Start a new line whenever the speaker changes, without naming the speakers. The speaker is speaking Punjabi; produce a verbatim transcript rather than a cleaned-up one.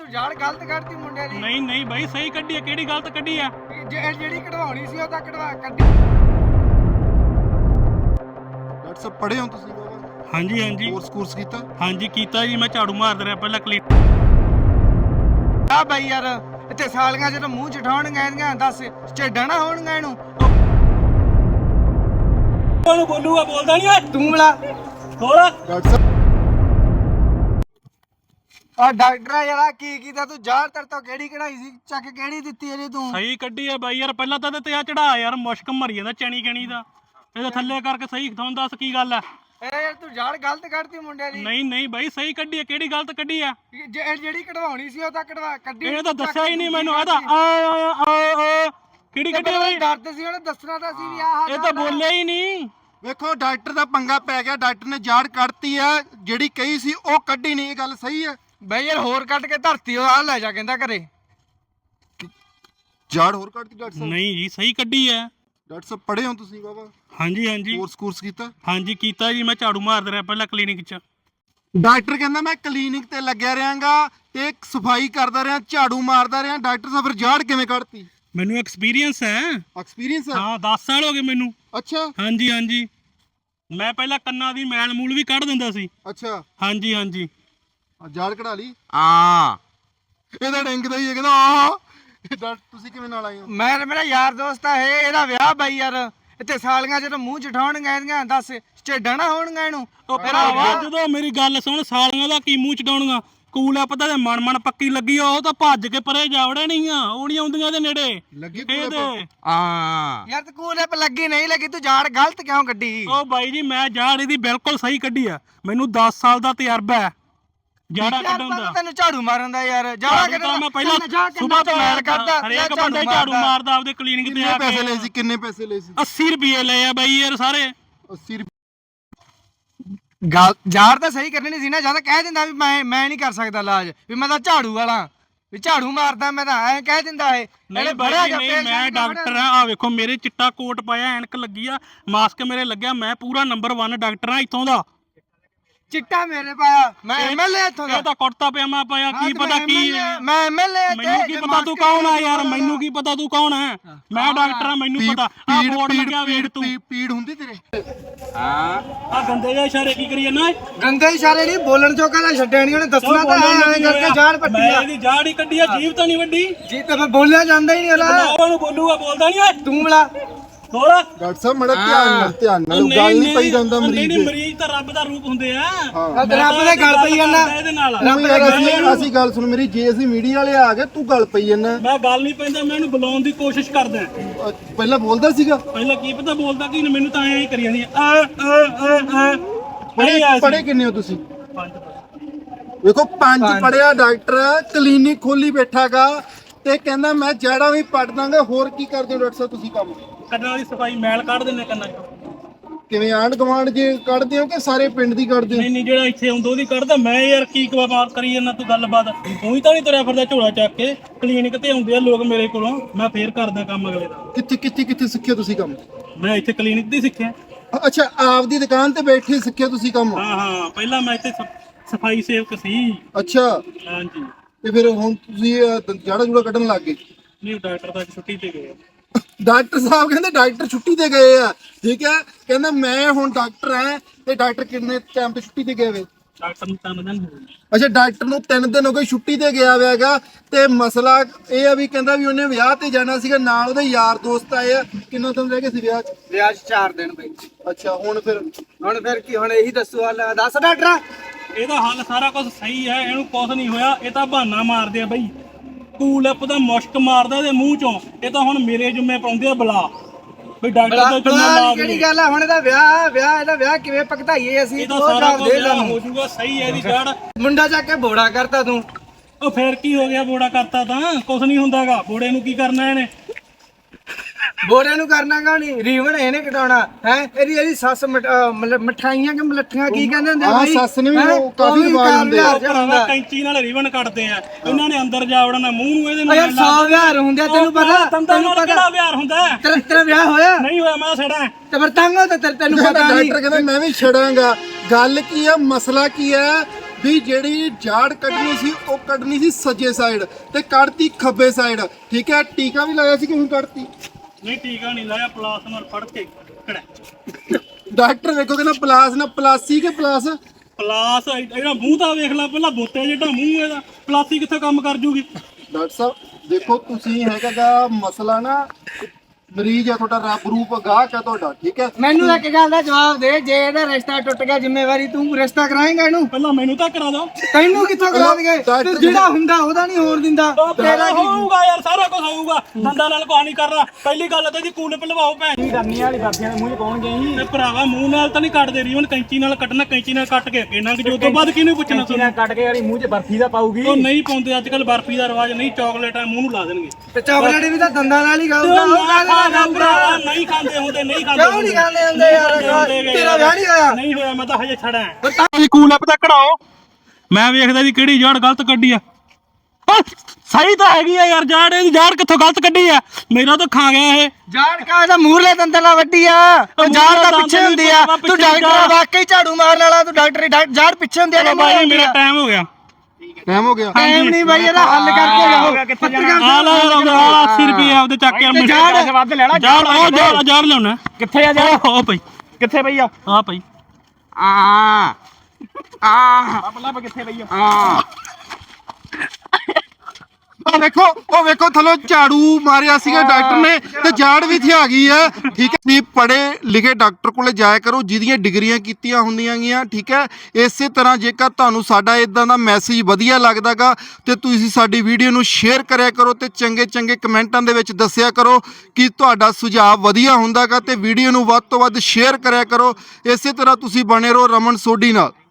ਤੂੰ ਜਾੜ ਗਲਤ ਕੱਢਤੀ ਮੁੰਡੇ ਦੀ।
ਨਹੀਂ ਨਹੀਂ ਬਾਈ ਸਹੀ ਕੱਢੀ ਆ। ਕਿਹੜੀ ਗਲਤ ਕੱਢੀ ਆ?
ਜੇ- ਜਿਹੜੀ ਕਢਵਾਉਣੀ ਸੀ ਉਹ ਤਾਂ ਕਢਵਾ ਕੱਢੀ।
ਡਾਕਟਰ ਸਾਹਿਬ ਪੜ੍ਹੇ ਹੋ ਤੁਸੀਂ ਬਾਬਾ?
ਹਾਂਜੀ ਹਾਂਜੀ
ਕੋਰਸ ਕੋਰਸ ਕੀਤਾ?
ਹਾਂਜੀ ਕੀਤਾ ਜੀ। ਮੈਂ ਝਾੜੂ ਮਾਰਦਾ ਰਿਹਾ ਪਹਿਲਾਂ ਕਲੀਨ।
ਆ ਬਾਈ ਯਾਰ ਇੱਥੇ ਸਾਲੀਆਂ ਜਦੋਂ ਮੂੰਹ ਚਠਾਉਣਗੀਆਂ ਇਹਦੀਆਂ ਦੱਸ ਝੇਡਾਂ ਨਾ ਹੋਣਗੀਆਂ ਇਹਨੂੰ।
ਉਹਨੂੰ ਬੋਲੂਗਾ ਬੋਲਦਾ ਨਹੀਂ ਓਏ
ਤੂੰ ਬਲਾ
ਬੋਲ।
ਡਾਕਟਰ ਸਾਹਿਬ
ਆ ਡਾਕਟਰ ਆ ਯਾਰ ਕੀ ਕੀਤਾ ਤੂੰ? ਜਾੜ ਤੇਰੇ ਤੋਂ ਕਿਹੜੀ ਕਢਾਈ ਸੀ? ਚੱਕ ਕਿਹੜੀ ਦਿੱਤੀ ਇਹਨੇ ਤੂੰ?
ਸਹੀ ਕੱਢੀ ਆ ਬਾਈ ਯਾਰ। ਪਹਿਲਾਂ ਤਾਂ ਤੇ ਆ ਚੜਾ ਯਾਰ ਮੁਸ਼ਕ ਮਰੀ ਜਾਂਦਾ ਚਣੀ ਕਣੀ ਦਾ। ਇਹਦੇ ਥੱਲੇ ਕਰਕੇ ਸਹੀ ਤੁਹਾਨੂੰ ਦੱਸ ਕੀ ਗੱਲ ਆ?
ਇਹ ਯਾਰ ਤੂੰ ਜਾੜ ਗਲਤ ਕੱਢਤੀ ਮੁੰਡੇ ਦੀ।
ਨਹੀਂ ਨਹੀਂ ਬਾਈ ਸਹੀ ਕੱਢੀ ਆ। ਕਿਹੜੀ ਗਲਤ ਕੱਢੀ ਆ?
ਜੇ- ਜਿਹੜੀ ਕਢਵਾਉਣੀ ਸੀ ਉਹ ਤਾਂ ਕਢਵਾ ਕੱਢੀ।
ਇਹਨੇ ਤਾਂ ਦੱਸਿਆ ਹੀ ਨਹੀਂ ਮੈਨੂੰ। ਆਦਾ ਆ ਆ ਆ ਕਿਹੜੀ ਕੱਢੀ ਆ ਬਾਈ?
ਡਰਦੇ ਸੀ ਉਹਨੇ ਦੱਸਣਾ ਤਾਂ ਸੀ ਵੀ ਆਹ
ਇਹ ਤਾਂ ਬੋਲਿਆ ਹੀ ਨਹੀਂ।
ਵੇਖੋ ਡਾਕਟਰ ਦਾ ਪੰਗਾ ਪੈ ਗਿਆ। ਡਾਕਟਰ ਨੇ ਜਾੜ ਕੱਢਤੀ ਆ, ਜਿਹੜੀ ਕਹੀ ਸੀ ਉਹ ਕੱਢੀ ਨਹੀਂ। ਇਹ ਗੱਲ ਸਹੀ ਹੈ?
ਬਈ ਯਾਰ ਹੋਰ ਕੱਢ ਕੇ ਧਰਤੀ ਉਹ ਆ ਲੈ ਜਾ ਕਹਿੰਦਾ ਘਰੇ।
ਜਾੜ ਹੋਰ ਕੱਢਤੀ ਡਾਕਟਰ ਸਾਹਿਬ?
ਨਹੀਂ ਜੀ ਸਹੀ ਕੱਢੀ ਆ।
ਡਾਕਟਰ ਸਾਹਿਬ ਪੜ੍ਹੇ ਹੋ ਤੁਸੀਂ ਬਾਬਾ?
ਹਾਂਜੀ ਹਾਂਜੀ
ਕੋਰਸ ਕੋਰਸ ਕੀਤਾ?
ਹਾਂਜੀ ਕੀਤਾ ਜੀ। ਮੈਂ ਝਾੜੂ ਮਾਰਦਾ ਰਿਹਾ ਪਹਿਲਾਂ ਕਲੀਨਿਕ 'ਚ।
ਡਾਕਟਰ ਕਹਿੰਦਾ ਮੈਂ ਕਲੀਨਿਕ ਤੇ ਲੱਗਿਆ ਰਿਹਾਂਗਾ ਤੇ ਸਫਾਈ ਕਰਦਾ ਰਿਹਾ, ਝਾੜੂ ਮਾਰਦਾ ਰਿਹਾ। ਡਾਕਟਰ ਸਾਹਿਬ ਫਿਰ ਜਾੜ ਕਿਵੇਂ ਕੱਢਤੀ?
ਮੈਨੂੰ ਐਕਸਪੀਰੀਅੰਸ ਹੈ।
ਐਕਸਪੀਰੀਅੰਸ ਹੈ?
ਹਾਂ ਦਸ ਸਾਲ ਹੋ ਗਏ ਮੈਨੂੰ।
ਅੱਛਾ
ਹਾਂਜੀ ਹਾਂਜੀ ਮੈਂ ਪਹਿਲਾਂ ਕੰਨਾਂ ਦੀ ਮੈਲ ਮੂਲ ਵੀ ਕੱਢ ਦਿੰਦਾ ਸੀ।
ਅੱਛਾ
ਹਾਂਜੀ ਹਾਂਜੀ
ਆ ਜਾੜ ਕਢਾ ਲਈ? ਆ ਇਹਦਾ ਡਿੰਗਦਾ ਹੀ ਹੈ ਕਹਿੰਦਾ ਆ। ਡਾਕਟਰ ਤੁਸੀਂ ਕਿਵੇਂ ਨਾਲ ਆਏ ਹੋ?
ਮੈਂ ਮੇਰਾ ਯਾਰ ਦੋਸਤ ਆ ਇਹ। ਇਹਦਾ ਵਿਆਹ ਬਾਈ ਯਾਰ ਇੱਥੇ ਸਾਲੀਆਂ ਜਦੋਂ ਮੂੰਹ ਚਠਾਉਣਗੀਆਂ ਇਹਦੀਆਂ ਦੱਸ ਝੇਡਾਂ ਨਾ ਹੋਣਗੀਆਂ ਇਹਨੂੰ।
ਉਹ ਭਰਾਵਾ ਜਦੋਂ ਮੇਰੀ ਗੱਲ ਸੁਣ, ਸਾਲੀਆਂ ਦਾ ਕੀ ਮੂੰਹ ਚਡਾਉਣਗਾ? ਕੂਲ ਐਪ ਤਾਂ ਮਨ ਮਨ ਪੱਕੀ ਲੱਗੀ ਆ। ਉਹ ਤਾਂ ਭੱਜ ਕੇ ਪਰੇ ਜਾਵੜੇ ਨਹੀਂ ਆ। ਉਹ ਨਹੀਂ ਆਉਂਦੀਆਂ ਇਹਦੇ ਨੇੜੇ
ਲੱਗੀ
ਇਹਦੇ।
ਆ
ਯਾਰ ਤੇ ਕੂਲ ਐਪ ਲੱਗੀ ਨਹੀਂ ਲੱਗੀ ਤੂੰ ਜਾੜ ਗਲਤ ਕਿਉਂ ਕੱਢੀ?
ਉਹ ਬਾਈ ਜੀ ਮੈਂ ਜਾੜ ਇਹਦੀ ਬਿਲਕੁਲ ਸਹੀ ਕੱਢੀ ਆ। ਮੈਨੂੰ ਦਸ ਸਾਲ ਦਾ ਤਜਰਬਾ ਹੈ ਜਾੜਾ ਕੱਢਣ ਦਾ।
ਤੈਨੂੰ ਝਾੜੂ ਮਾਰਨ ਦਾ ਯਾਰ। ਜਾੜਾ
ਕੱਢਦਾ ਮੈਂ ਪਹਿਲਾਂ ਸੁਬਾਹ ਤੋਂ
ਮੈਲ ਕਰਦਾ।
ਹਰੇਕ ਬੰਦਾ ਝਾੜੂ ਮਾਰਦਾ ਆਪਦੇ ਕਲੀਨਿਕ ਤੇ
ਕਿੰਨੇ
ਆ
ਪੈਸੇ
ਕੇ।
ਲਏ ਸੀ? ਕਿੰਨੇ ਪੈਸੇ ਲਏ ਸੀ?
ਅੱਸੀ ਰੁਪਏ ਲਏ ਆ ਬਾਈ ਯਾਰ ਸਾਰੇ।
ਅੱਸੀ ਰੁਪਏ?
ਗੱਲ ਜਾੜ ਤਾਂ ਸਹੀ ਕਰਨੀ ਨਹੀਂ ਸੀ ਨਾ। ਜਾਂ ਤਾਂ ਕਹਿ ਦਿੰਦਾ ਵੀ ਮੈਂ ਮੈਂ ਨਹੀਂ ਕਰ ਸਕਦਾ ਇਲਾਜ, ਵੀ ਮੈਂ ਤਾਂ ਝਾੜੂ ਵਾਲਾ, ਵੀ ਝਾੜੂ ਮਾਰਦਾ ਮੈਂ ਤਾਂ ਐਂ ਕਹਿ ਦਿੰਦਾ ਇਹ।
ਨਹੀਂ ਬਾਈ ਨਹੀਂ ਮੈਂ ਡਾਕਟਰ ਆ। ਆ ਵੇਖੋ ਮੇਰੇ ਚਿੱਟਾ ਕੋਟ ਪਾਇਆ, ਐਨਕ ਲੱਗੀ ਆ, ਮਾਸਕ ਮੇਰੇ ਲੱਗਿਆ। ਮੈਂ ਪੂਰਾ ਨੰਬਰ ਇੱਕ ਡਾਕਟਰ ਆ ਇੱਥੋਂ ਦਾ।
ਚਿੱਟਾ ਮੇਰੇ ਪਾਇਆ। ਮੈਂ ਐਮਐਲਏ ਇੱਥੋਂ ਦਾ।
ਇਹ ਤਾਂ ਕੁੜਤਾ ਪਜਾਮਾ ਪਾਇਆ। ਕੀ ਪਤਾ ਕੀ
ਮੈਂ ਐਮਐਲਏ।
ਮੈਨੂੰ ਕੀ ਪਤਾ ਤੂੰ ਕੌਣ ਆ ਯਾਰ? ਮੈਨੂੰ ਕੀ ਪਤਾ ਤੂੰ ਕੌਣ ਹੈ? ਮੈਂ ਡਾਕਟਰ ਆ, ਮੈਨੂੰ ਪਤਾ। ਆ ਬੋਰਡ ਲੱਗਿਆ ਵੇਖ ਤੂੰ।
ਪੀੜ ਹੁੰਦੀ ਤੇਰੇ?
ਹਾਂ ਆ ਗੰਦੇ ਜਿਹੇ ਇਸ਼ਾਰੇ ਕੀ ਕਰੀ ਜਾਂਦਾ?
ਗੰਦੇ ਇਸ਼ਾਰੇ ਨਹੀਂ ਬੋਲਣ ਚੋਂ ਕਹਿੰਦਾ ਛੱਡਿਆ ਨਹੀਂ ਉਹਨੇ। ਦੱਸਣਾ ਤਾਂ ਹੈ ਐਂ ਕਰਕੇ ਜਾੜ ਪੱਟੀ
ਮੈਂ
ਆ।
ਇਹਦੀ ਜਾੜ ਹੀ ਕੱਢੀ ਆ। ਜੀਭ ਤਾਂ ਨਹੀਂ ਵੱਡੀ
ਜੀ ਤਾਂ ਮੈਂ ਬੋਲਿਆ ਜਾਂਦਾ ਹੀ ਨਹੀਂ ਹਲਾ।
ਉਹਨੂੰ ਬੋਲੂਗਾ ਬੋਲਦਾ ਨਹੀਂ ਓਏ
ਤੂੰ ਬਲਾ
ਬੋਲ।
ਡਾਕਟਰ ਸਾਹਿਬ ਮੜਾ ਧਿਆਨ ਨਾਲ ਧਿਆਨ ਨਾਲ ਗੱਲ ਨਹੀਂ ਪਈ ਜਾਂਦਾ
ਨਹੀਂ
ਮਰੀਜ਼
ਨਹੀਂ
ਦੇ।
ਮਰੀਜ਼ ਤਾਂ ਰੱਬ ਦਾ ਰੂਪ ਹੁੰਦੇ ਆ।
ਰੱਬ ਦੇ ਗੱਲ ਪਈ ਜਾਂਦਾ
ਇਹਦੇ ਨਾਲ।
ਤੂੰ ਯਾਰ ਅਸੀਂ ਅਸੀਂ ਗੱਲ ਸੁਣ ਮੇਰੀ। ਜੇ ਅਸੀਂ ਮੀਡੀਆ ਵਾਲੇ ਆ ਗਏ ਤੂੰ ਗੱਲ ਪਈ ਜਾਂਦਾ।
ਮੈਂ ਗੱਲ ਨਹੀਂ ਪੈਂਦਾ। ਮੈਂ ਇਹਨੂੰ ਬੁਲਾਉਣ ਦੀ ਕੋਸ਼ਿਸ਼ ਕਰਦਾ।
ਅ, ਪਹਿਲਾਂ ਬੋਲਦਾ ਸੀਗਾ?
ਪਹਿਲਾਂ ਕੀ ਪਤਾ ਬੋਲਦਾ ਕੀ ਨਹੀਂ। ਮੈਨੂੰ ਤਾਂ ਐਂ ਹੀ ਕਰੀ ਜਾਂਦੀ ਆ ਆ ਆ ਆ।
ਪੜੇ ਪੜੇ ਕਿੰਨੇ ਹੋ ਤੁਸੀਂ?
ਪੰਜ
ਵੇਖੋ ਪੰਜ ਪੜਿਆ ਡਾਕਟਰ, ਕਲੀਨਿਕ ਖੋਲੀ ਬੈਠਾਗਾ ਤੇ ਕਹਿੰਦਾ ਮੈਂ ਜੜਾ ਵੀ ਪੜ ਦਾਂਗਾ। ਹੋਰ ਕੀ ਕਰਦੇ ਹੋ ਡਾਕਟਰ ਸਾਹਿਬ ਤੁਸੀਂ ਕੰਮ?
ਕੰਨਾਂ ਦੀ ਸਫਾਈ ਮੈਲ ਕੱਢ ਦਿੰਦੇ ਕੰਨਾਂ ਚੋਂ।
ਕਿਵੇਂ ਆਂਢ ਗਵਾਂਢ ਜੇ ਕੱਢਦੇ ਹੋ ਕਿ ਸਾਰੇ ਪਿੰਡ ਦੀ ਕੱਢਦੇ ਹੋ?
ਨਹੀਂ ਨਹੀਂ ਜਿਹੜਾ ਇੱਥੇ ਆਉਂਦਾ ਉਹਦੀ ਕੱਢਦਾ। ਮੈਂ ਯਾਰ ਕੀ ਕਵਾਰ ਕਰੀ ਜਾਂਦਾ ਤੂੰ ਗੱਲਬਾਤ। ਤੂੰ ਹੀ ਤਾਂ ਨਹੀਂ ਤੁਰਿਆ ਫਿਰਦਾ ਝੋਲਾ ਚੱਕ ਕੇ। ਕਲੀਨਿਕ ਤੇ ਆਉਂਦੇ ਆ ਲੋਕ ਮੇਰੇ ਕੋਲੋਂ, ਮੈਂ ਫੇਰ ਕਰਦਾ ਕੰਮ ਅਗਲੇ ਦਾ।
ਕਿੱਥੇ ਕਿੱਥੇ ਕਿੱਥੇ ਸਿੱਖਿਆ ਤੁਸੀਂ ਕੰਮ?
ਮੈਂ ਇੱਥੇ ਕਲੀਨਿਕ ਦੀ ਸਿੱਖਿਆ।
ਅੱਛਾ ਆਪਦੀ ਦੁਕਾਨ ਤੇ ਬੈਠੇ ਸਿੱਖਿਆ ਤੁਸੀਂ ਕੰਮ?
ਹਾਂ ਹਾਂ ਪਹਿਲਾਂ ਮੈਂ ਇੱਥੇ ਸ- ਸਫਾਈ ਸੇਵਕ ਸੀ।
ਅੱਛਾ
ਹਾਂਜੀ
ਤੇ ਫਿਰ ਹੁਣ ਤੁਸੀਂ ਜੜਾ ਜੂੜਾ ਕੱਢਣ ਲੱਗ ਗਏ?
ਨਹੀਂ ਡਾਕਟਰ ਤਾਂ ਛੁੱਟੀ ਤੇ ਗਏ।
ਡਾਕਟਰ ਸਾਹਿਬ ਕਹਿੰਦੇ ਡਾਕਟਰ ਛੁੱਟੀ ਤੇ ਗਏ ਆ। ਠੀਕ ਹੈ ਕਹਿੰਦਾ ਮੈਂ ਹੁਣ ਡਾਕਟਰ ਆ। ਤੇ ਡਾਕਟਰ ਕਿੰਨੇ ਟਾਈਮ ਤੇ ਛੁੱਟੀ ਤੇ ਗਏ ਵੇ?
ਡਾਕਟਰ ਨੂੰ ਤਾਂ ਦਿਨ ਹੋ ਗਏ।
ਅੱਛਾ ਡਾਕਟਰ ਨੂੰ ਤਿੰਨ ਦਿਨ ਹੋ ਗਏ ਛੁੱਟੀ ਤੇ ਗਿਆ ਹੋਇਆਗਾ। ਤੇ ਮਸਲਾ ਇਹ ਆ ਵੀ ਕਹਿੰਦਾ ਵੀ ਉਹਨੇ ਵਿਆਹ ਤੇ ਜਾਣਾ ਸੀਗਾ, ਨਾਲ ਉਹਦੇ ਯਾਰ ਦੋਸਤ ਆਏ ਆ। ਕਿੰਨਾ ਦਿਨ ਰਹਿ ਗਏ ਸੀ ਵਿਆਹ 'ਚ?
ਵਿਆਹ ਚਾਰ ਦਿਨ ਬਈ।
ਅੱਛਾ ਹੁਣ ਫਿਰ
ਹੁਣ ਫਿਰ ਕੀ? ਹੁਣ ਇਹੀ ਦੱਸੋ ਹਾਲ ਦੱਸ ਡਾਕਟਰ।
ਇਹਦਾ ਹੱਲ ਸਾਰਾ ਕੁਝ ਸਹੀ ਹੈ। ਇਹਨੂੰ ਕੁਝ ਨਹੀਂ ਹੋਇਆ। ਇਹ ਤਾਂ ਬਹਾਨਾ ਮਾਰਦੇ ਆ ਬਈ। ਕੂਲ ਐਪ ਦਾ ਮੁਸ਼ਕ ਮਾਰਦਾ ਇਹਦੇ ਮੂੰਹ ਚੋਂ। ਇਹ ਤਾਂ ਹੁਣ ਮੇਰੇ ਜੁੰਮੇ ਪਾਉਂਦੇ ਆ ਬਲਾ ਵੀ ਡਾਕਟਰ ਦਾ ਜੁੰਮਾ ਲਾ ਦੇ।
ਕਿਹੜੀ ਗੱਲ ਆ? ਹੁਣ ਇਹਦਾ ਵਿਆਹ ਵਿਆਹ ਇਹਦਾ ਵਿਆਹ ਕਿਵੇਂ ਪਕਤਾਈਏ ਅਸੀਂ?
ਇਹਦਾ ਸਾਰਾ ਕੁਝ ਹੋ ਜਾਊਗਾ ਸਹੀ ਹੈ। ਇਹਦੀ ਜੜ
ਮੁੰਡਾ ਚੱਕ ਕੇ ਬੋੜਾ ਕਰਤਾ ਤੂੰ।
ਉਹ ਫੇਰ ਕੀ ਹੋ ਗਿਆ? ਬੋੜਾ ਕਰਤਾ ਤਾਂ ਕੁਝ ਨਹੀਂ ਹੁੰਦਾਗਾ। ਬੋੜੇ ਨੂੰ ਕੀ ਕਰਨਾ ਇਹਨੇ?
ਬੋੜੇ ਨੂੰ ਕਰਨਾ ਕਹਾਣੀ ਰੀਵਨ ਇਹਨੇ ਕਟਾਉਣਾ ਹੈ। ਇਹਦੀ ਇਹਦੀ ਸੱਸ ਮਠਾਈਆਂ ਕਿ ਮਲੱਠੀਆਂ ਕੀ ਕਹਿੰਦੇ ਹੁੰਦੇ ਆ
ਹਾਂ
ਬਾਈ?
ਸੱਸ ਨੇ ਵੀ ਉਹ ਕਾਫੀ ਰਿਵਾਜ ਹੁੰਦੇ ਆ।
ਭਰਾਵਾ ਕੈਂਚੀ ਨਾਲ ਰੀਵਨ ਕੱਟਦੇ ਆ। ਇਹਨਾਂ ਨੇ ਅੰਦਰ ਜਾ ਵੜਨਾ ਮੂੰਹ ਨੂੰ ਇਹਦੇ ਨਾਲ।
ਯਾਰ ਸੌ ਵਿਹਾਰ ਹੁੰਦੇ ਆ, ਤੈਨੂੰ ਪਤਾ?
ਤੈਨੂੰ ਪਤਾ ਕਿਹੜਾ ਵਿਹਾਰ ਹੁੰਦਾ?
ਤੇਰਾ ਤੇਰਾ ਵਿਆਹ ਹੋਇਆ
ਨਹੀਂ ਹੋਇਆ। ਮੈਂ ਛੜਾ
ਤੇ ਫਿਰ ਤੰਗ ਹੋ ਤੇ ਤੈਨੂੰ ਪਤਾ ਨਹੀਂ।
ਡਾਕਟਰ ਕਹਿੰਦਾ ਮੈਂ ਵੀ ਛੜਾਂਗਾ। ਗੱਲ ਕੀ ਆ? ਮਸਲਾ ਕੀ ਆ? ਵੀ ਜਿਹੜੀ ਜਾੜ ਕੱਢਣੀ ਸੀ ਉਹ ਕੱਢਣੀ ਸੀ ਸੱਜੇ ਸਾਈਡ ਤੇ ਕੱਢਤੀ ਖੱਬੇ ਸਾਈਡ, ਠੀਕ ਹੈ। ਟੀਕਾ ਵੀ ਲਾਇਆ ਸੀ ਕਿ ਹੁਣ ਕੱਢਤੀ?
ਨਹੀਂ ਟੀਕਾ ਨਹੀਂ ਲਾਇਆ, ਪਲਾਸ ਨਾਲ ਫੜ ਕੇ ਕੜਾ
ਡਾਕਟਰ ਵੇਖੋ ਕਹਿੰਦਾ ਪਲਾਸ ਨਾ ਪਲਾਸੀ ਕਿ ਪਲਾਸ
ਪਲਾਸ ਇਹਦਾ ਮੂੰਹ ਤਾਂ ਵੇਖ ਲੈ ਪਹਿਲਾਂ, ਬੋਤੇ ਜਿਹੜਾ ਮੂੰਹ ਇਹਦਾ, ਪਲਾਸੀ ਕਿੱਥੇ ਕੰਮ ਕਰ ਜੂਗੀ।
ਡਾਕਟਰ ਸਾਹਿਬ ਦੇਖੋ ਤੁਸੀਂ ਹੈਗਾ ਗਾ ਮਸਲਾ ਨਾ ਮਰੀਜ਼ ਆ ਤੁਹਾਡਾ, ਰੱਬ ਰੂਪ ਗਾਹਕ ਆ ਤੁਹਾਡਾ, ਠੀਕ ਹੈ।
ਮੈਨੂੰ ਇੱਕ ਗੱਲ ਦਾ ਜਵਾਬ ਦੇ, ਜੇ ਇਹਦਾ ਰਿਸ਼ਤਾ ਟੁੱਟ ਗਿਆ ਜ਼ਿੰਮੇਵਾਰੀ ਤੂੰ ਰਿਸ਼ਤਾ ਕਰਾਏਂਗਾ ਇਹਨੂੰ?
ਪਹਿਲਾਂ ਮੈਨੂੰ ਤਾਂ ਕਰਾ ਦੋ।
ਤੈਨੂੰ ਕਿੱਥੋਂ ਕਰਾ ਦੇਗੇ? ਤੂੰ ਜਿਹੜਾ ਹੁੰਦਾ ਉਹਦਾ ਨਹੀਂ ਹੋਣ ਦਿੰਦਾ।
ਤੇਰਾ ਹੋਊਗਾ ਯਾਰ, ਸਾਰਾ ਕੁਝ ਹੋਊਗਾ, ਦੰਦਾਂ ਨਾਲ ਕੁਝ ਨਹੀਂ ਕਰਨਾ। ਪਹਿਲੀ ਗੱਲ ਤਾਂ ਜੀ ਕੂਲ ਪਲਵਾਓ ਭੈਣ
ਕੀ ਕਰਨੀ ਵਾਲੀ ਬਾਬੀਆਂ ਦੇ ਮੂੰਹ 'ਚ ਪਾਉਣ ਗਈ
ਤੇ ਭਰਾਵਾ ਮੂੰਹ ਨਾਲ ਤਾਂ ਨਹੀਂ ਕੱਟਦੇ ਰੀਵਨ, ਕੈਂਚੀ ਨਾਲ ਕੱਟਣਾ, ਕੈਂਚੀ ਨਾਲ ਕੱਟ ਕੇ ਅੱਗੇ ਲੰਘ ਜੋ, ਤੋਂ ਬਾਅਦ ਕਿਹਨੂੰ ਪੁੱਛਣਾ ਤੁਹਾਨੂੰ?
ਕੱਟ ਕੇ ਵਾਲੀ ਮੂੰਹ 'ਚ ਬਰਫੀ ਦਾ ਪਾਊਗੀ।
ਉਹ ਨਹੀਂ ਪਾਉਂਦੇ ਅੱਜ ਕੱਲ, ਬਰਫੀ ਦਾ ਰਿਵਾਜ ਨਹੀਂ, ਚਾਕਲੇਟਾਂ ਮੂੰਹ ਨੂੰ ਲਾ ਦੇਣਗੇ।
ਤੇ ਚਾਕਲੇਟ ਵੀ ਤਾਂ ਦੰਦਾਂ ਨਾਲ ਹੀ ਖਾਊਗਾ। ਉਹ
ਭਰਾਵਾ ਨਹੀਂ ਖਾਂਦੇ ਹੁੰਦੇ, ਨਹੀਂ ਖਾਂਦੇ
ਕਿਉਂ ਨਹੀਂ ਖਾਂਦੇ ਹੁੰਦੇ ਯਾਰ? ਤੇਰਾ ਵਿਆਹ ਨਹੀਂ ਹੋਇਆ?
ਨਹੀਂ ਹੋਇਆ, ਮੈਂ ਤਾਂ ਹਜੇ ਛੜਾ ਤੁਸੀਂ ਕੂਲ ਅਪ ਤਾਂ ਕਢਾਓ। ਮੈਂ ਵੇਖਦਾ ਵੀ ਕਿਹੜੀ ਜੜ ਗਲਤ ਕੱਢੀ ਆ। ਸਹੀ ਤਾਂ ਹੈਗੀ ਆ ਯਾਰ, ਜਾੜ ਇਹਦੀ ਜਾੜ ਕਿੱਥੋਂ ਗਲਤ ਕੱਢੀ ਆ? ਮੇਰਾ ਤਾਂ ਖਾ ਗਿਆ ਇਹ
ਜਾੜ ਕਾ ਦਾ ਮੂਹਰਲੇ ਦੰਦਾਂ ਨਾਲ ਵੱਡੀ ਆ, ਉਹ ਜਾੜ ਤਾਂ ਪਿੱਛੇ ਹੁੰਦੀ ਆ। ਤੂੰ ਡਾਕਟਰ ਵਾਕਈ ਝਾੜੂ ਮਾਰਨ ਵਾਲਾ, ਤੂੰ ਡਾਕਟਰੀ ਜਾੜ ਪਿੱਛੇ ਹੁੰਦੀ ਆ।
ਬਾਈ ਮੇਰਾ ਟਾਈਮ ਹੋ ਗਿਆ,
ਟਾਈਮ ਹੋ ਗਿਆ।
ਟਾਈਮ ਨਹੀਂ ਬਾਈ, ਇਹਦਾ ਹੱਲ ਕਰਕੇ ਜਾਓ। ਕਿੱਥੇ ਜਾਣਾ?
ਆ ਲੈ ਯਾਰ ਆ ਅੱਸੀ ਰੁਪਏ ਆਪਦੇ ਚੱਕ ਯਾਰ।
ਜਾੜ ਵੱਧ ਲੈਣਾ।
ਜਾੜ ਉਹ ਜਾੜ ਜਾੜ ਲਿਆਉਣਾ
ਕਿੱਥੇ ਆ ਜਾੜ?
ਉਹ ਪਈ
ਕਿੱਥੇ ਪਈ ਆ?
ਆ ਪਈ
ਆ ਆ
ਲੱਭ ਕਿੱਥੇ ਪਈ ਆ?
ਆ
ਉਹ ਵੇਖੋ ਉਹ ਵੇਖੋ ਥੱਲੋਂ ਝਾੜੂ ਮਾਰਿਆ ਸੀਗਾ ਡਾਕਟਰ ਨੇ ਤੇ ਜਾੜ ਵੀ ਇੱਥੇ ਆ ਗਈ ਆ, ਠੀਕ ਹੈ। ਤੁਸੀਂ ਪੜ੍ਹੇ ਲਿਖੇ ਡਾਕਟਰ ਕੋਲੇ ਜਾਇਆ ਕਰੋ ਜਿਹਦੀਆਂ ਡਿਗਰੀਆਂ ਕੀਤੀਆਂ ਹੁੰਦੀਆਂ ਗੀਆਂ, ਠੀਕ ਹੈ। ਇਸੇ ਤਰ੍ਹਾਂ ਜੇਕਰ ਤੁਹਾਨੂੰ ਸਾਡਾ ਇਦਾਂ ਦਾ ਮੈਸੇਜ ਵਧੀਆ ਲੱਗਦਾਗਾ ਤੇ ਤੁਸੀਂ ਸਾਡੀ ਵੀਡੀਓ ਨੂੰ ਸ਼ੇਅਰ ਕਰਿਆ ਕਰੋ ਤੇ ਚੰਗੇ ਚੰਗੇ ਕਮੈਂਟਾਂ ਦੇ ਵਿੱਚ ਦੱਸਿਆ ਕਰੋ ਕਿ ਤੁਹਾਡਾ ਸੁਝਾਅ ਵਧੀਆ ਹੁੰਦਾਗਾ ਤੇ ਵੀਡੀਓ ਨੂੰ ਵੱਧ ਤੋਂ ਵੱਧ ਸ਼ੇਅਰ ਕਰਿਆ ਕਰੋ। ਇਸੇ ਤਰ੍ਹਾਂ ਤੁਸੀਂ ਬਣੇ ਰਹੋ ਰਮਨ ਸੋਢੀ ਨਾਲ।